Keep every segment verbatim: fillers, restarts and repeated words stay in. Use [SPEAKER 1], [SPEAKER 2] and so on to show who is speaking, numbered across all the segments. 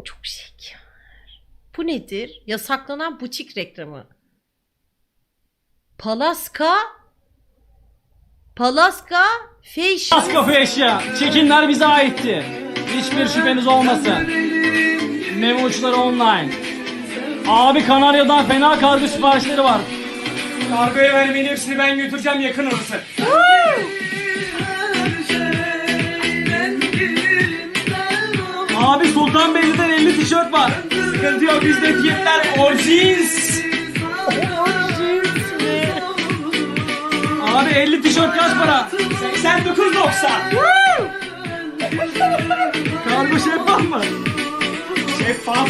[SPEAKER 1] Çok şeker. Bu nedir? Yasaklanan butik reklamı. Palaska Palaska Fashion.
[SPEAKER 2] Palaska Fashion. Çekimler bize aitti. Hiçbir şüpheniz olmasın. Memo uçları online. Abi Kanarya'dan fena kargo siparişleri var.
[SPEAKER 3] Kargoya vermeyin, hepsini ben götüreceğim yakın orası.
[SPEAKER 2] Abi Sultanbeyli'den elli tişört var.
[SPEAKER 3] Sıkıntı yok, bizde fiyatlar orjins.
[SPEAKER 2] Abi elli tişört kaç para?
[SPEAKER 3] seksen dokuz doksan.
[SPEAKER 2] Kargo şeffaf mı?
[SPEAKER 3] Şeffaf.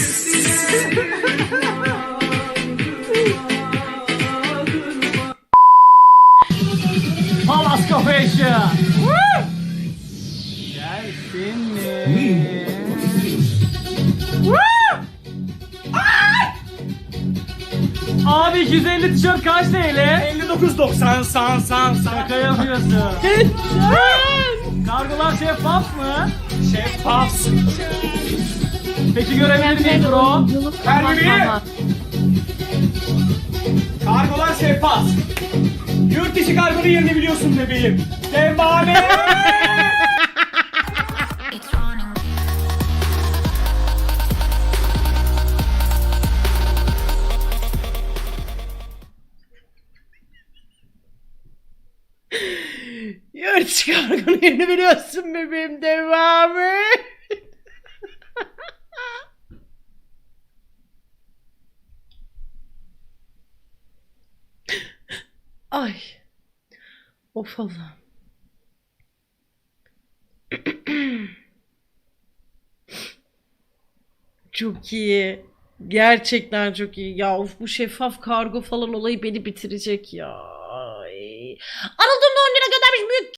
[SPEAKER 2] Palaska Fashion. Gelsin mi? Abi iki yüz elli tişört kaç T L?
[SPEAKER 3] elli dokuz doksan san san san.
[SPEAKER 2] Şaka yapıyorsun. Kargolar şeffaf mı?
[SPEAKER 3] Şeffaf.
[SPEAKER 2] Peki görebilir miyim bro?
[SPEAKER 3] Ver bebeğim. Kargolar şeffaf. Yurt dışı kargonun yerini biliyorsun bebeğim. Devamı.
[SPEAKER 1] Yurt çıkargını yerini biliyorsun bebeğim, devamı. Ay. Of Allah. Çok iyi. Gerçekten çok iyi. Ya of, bu şeffaf kargo falan olayı beni bitirecek ya. Ay. Anadolu'da on lira göndermiş büyük